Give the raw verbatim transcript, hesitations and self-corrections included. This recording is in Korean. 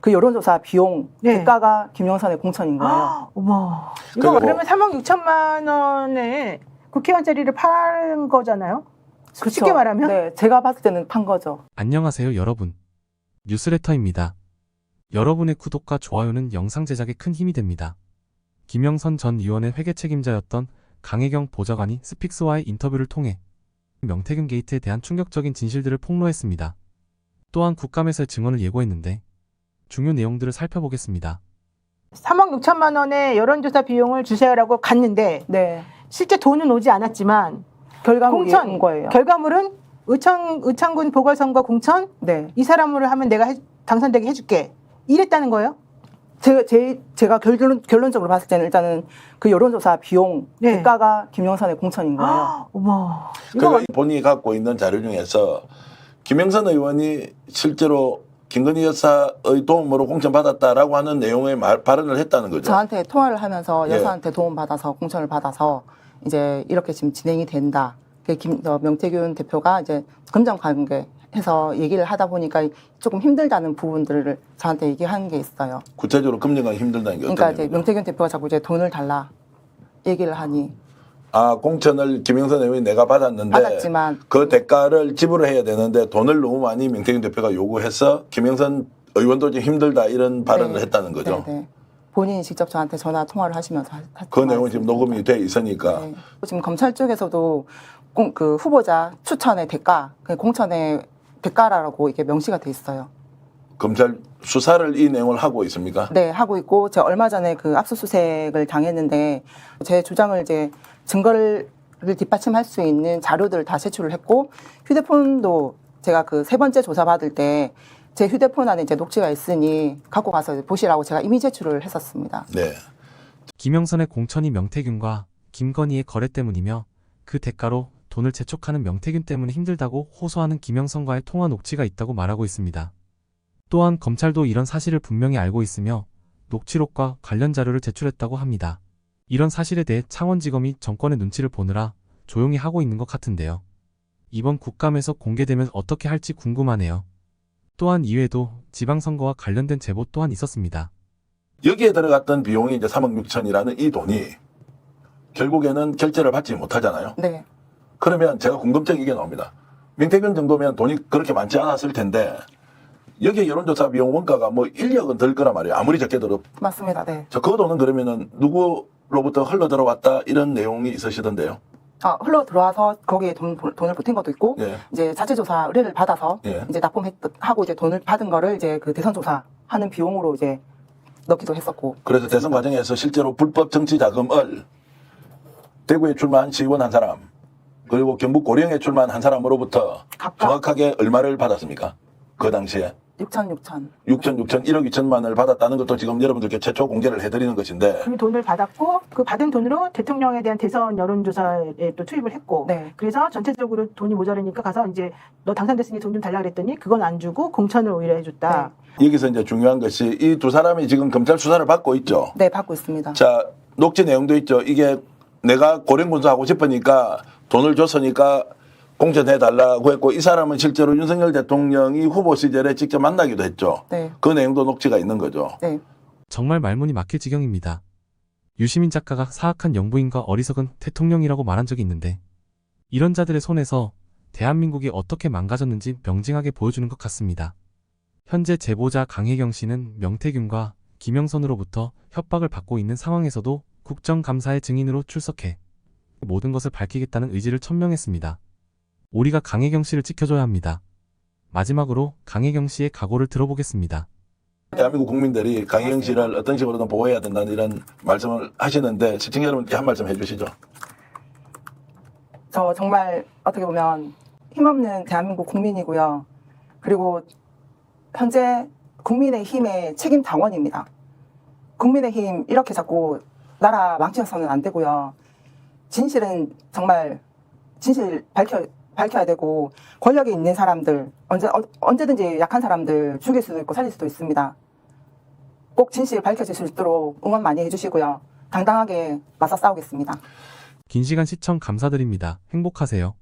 그 여론조사 비용 네. 대가가 김영선의 공천인 거예요. 아, 어머. 이거 그리고- 그러면 삼억 육천만 원에 국회의원 자리를 파는 거잖아요? 그쵸? 쉽게 말하면? 네, 제가 봤을 때는 판 거죠. 안녕하세요 여러분. 뉴스레터입니다. 여러분의 구독과 좋아요는 영상 제작에 큰 힘이 됩니다. 김영선 전 의원의 회계 책임자였던 강혜경 보좌관이 스픽스와의 인터뷰를 통해 명태균 게이트에 대한 충격적인 진실들을 폭로했습니다. 또한 국감에서의 증언을 예고했는데 중요 내용들을 살펴보겠습니다. 삼억 육천만 원의 여론조사 비용을 주세요라고 갔는데 네, 실제 돈은 오지 않았지만 결과물이 공천 온 거예요. 결과물은 의창, 의창군 보궐선거 공천 네, 이 사람으로 하면 내가 해- 당선되게 해줄게 이랬다는 거예요? 제, 제, 제가 결론, 결론적으로 봤을 때는 일단은 그 여론조사 비용 네. 대가가 김영선의 공천인 거예요. 아, 어머. 이거 그러니까 본인이 갖고 있는 자료 중에서 김영선 의원이 실제로 김건희 여사의 도움으로 공천받았다라고 하는 내용의 말, 발언을 했다는 거죠. 저한테 통화를 하면서 예. 여사한테 도움 받아서 공천을 받아서 이제 이렇게 지금 진행이 된다. 그 김, 어, 명태균 대표가 이제 금전 관계 해서 얘기를 하다 보니까 조금 힘들다는 부분들을 저한테 얘기한 게 있어요. 구체적으로 금전관이 힘들다는 게 어떤 그러니까 이제 의미입니까? 명태균 대표가 자꾸 이제 돈을 달라 얘기를 하니 아, 공천을 김영선 의원이 내가 받았는데 받았지만 그 대가를 지불해야 되는데 돈을 너무 많이 명태균 대표가 요구해서 김영선 의원도 좀 힘들다 이런 발언을 네. 했다는 거죠. 네, 네. 본인이 직접 저한테 전화 통화를 하시면서 하- 하- 그 내용은 지금 통화했습니다. 녹음이 돼 있으니까 네. 지금 검찰 쪽에서도 공, 그 후보자 추천의 대가, 그 공천의 대가라고 이게 명시가 돼 있어요. 검찰 수사를 이 내용을 하고 있습니까? 네, 하고 있고 제가 얼마 전에 그 압수수색을 당했는데 제 주장을 이제 증거를 뒷받침할 수 있는 자료들을 다 제출을 했고 휴대폰도 제가 그 세 번째 조사 받을 때 제 휴대폰 안에 이제 녹취가 있으니 갖고 가서 보시라고 제가 이미 제출을 했었습니다. 네. 김영선의 공천이 명태균과 김건희의 거래 때문이며 그 대가로 돈을 재촉하는 명태균 때문에 힘들다고 호소하는 김영선과의 통화 녹취가 있다고 말하고 있습니다. 또한 검찰도 이런 사실을 분명히 알고 있으며 녹취록과 관련 자료를 제출했다고 합니다. 이런 사실에 대해 창원지검이 정권의 눈치를 보느라 조용히 하고 있는 것 같은데요. 이번 국감에서 공개되면 어떻게 할지 궁금하네요. 또한 이외에도 지방선거와 관련된 제보 또한 있었습니다. 여기에 들어갔던 비용이 이제 삼억 육천이라는 이 돈이 결국에는 결제를 받지 못하잖아요. 네, 그러면 제가 궁금증이 이게 나옵니다. 명태균 정도면 돈이 그렇게 많지 않았을 텐데 여기에 여론조사 비용 원가가 뭐 일억은 들 거란 말이에요. 아무리 적게 들어. 맞습니다. 네. 저 그 돈은 그러면은 누구로부터 흘러 들어왔다 이런 내용이 있으시던데요. 아, 흘러 들어와서 거기에 돈, 돈을 보탠 것도 있고 예. 이제 자체조사 의뢰를 받아서 예. 이제 납품하고 이제 돈을 받은 거를 이제 그 대선조사 하는 비용으로 이제 넣기도 했었고. 그래서 대선 과정에서 실제로 불법 정치 자금을 대구에 출마한 시의원 한 사람 그리고 경북 고령에 출마한 한 사람으로부터 각각 정확하게 얼마를 받았습니까? 그 당시에 육천, 육천. 육천, 육천, 일억 이천만을 받았다는 것도 지금 여러분들께 최초 공개를 해드리는 것인데 그 돈을 받았고 그 받은 돈으로 대통령에 대한 대선 여론조사에 또 투입을 했고 네. 그래서 전체적으로 돈이 모자라니까 가서 이제 너 당선됐으니 돈 좀 달라 그랬더니 그건 안 주고 공천을 오히려 해줬다. 여기서 이제 중요한 것이 이 두 사람이 지금 검찰 수사를 받고 있죠. 네, 받고 있습니다. 자, 녹취 내용도 있죠. 이게 내가 고령군수하고 싶으니까 돈을 줬으니까 공천해달라고 했고 이 사람은 실제로 윤석열 대통령이 후보 시절에 직접 만나기도 했죠. 네, 그 내용도 녹취가 있는 거죠. 네. 정말 말문이 막힐 지경입니다. 유시민 작가가 사악한 영부인과 어리석은 대통령이라고 말한 적이 있는데 이런 자들의 손에서 대한민국이 어떻게 망가졌는지 명징하게 보여주는 것 같습니다. 현재 제보자 강혜경 씨는 명태균과 김영선으로부터 협박을 받고 있는 상황에서도 국정감사의 증인으로 출석해 모든 것을 밝히겠다는 의지를 천명했습니다. 우리가 강혜경 씨를 지켜줘야 합니다. 마지막으로 강혜경 씨의 각오를 들어보겠습니다. 대한민국 국민들이 강희영 씨를 어떤 식으로든 보호해야 된다는 이런 말씀을 하시는데 시청자 여러분께 한 말씀 해주시죠. 저 정말 어떻게 보면 힘없는 대한민국 국민이고요. 그리고 현재 국민의힘의 책임 당원입니다. 국민의힘 이렇게 자꾸 나라 망쳐서는 안 되고요. 진실은 정말 진실 밝혀 밝혀야 되고 권력이 있는 사람들 언제 어, 언제든지 약한 사람들 죽일 수도 있고 살릴 수도 있습니다. 꼭 진실 밝혀질 수 있도록 응원 많이 해주시고요. 당당하게 맞서 싸우겠습니다. 긴 시간 시청 감사드립니다. 행복하세요.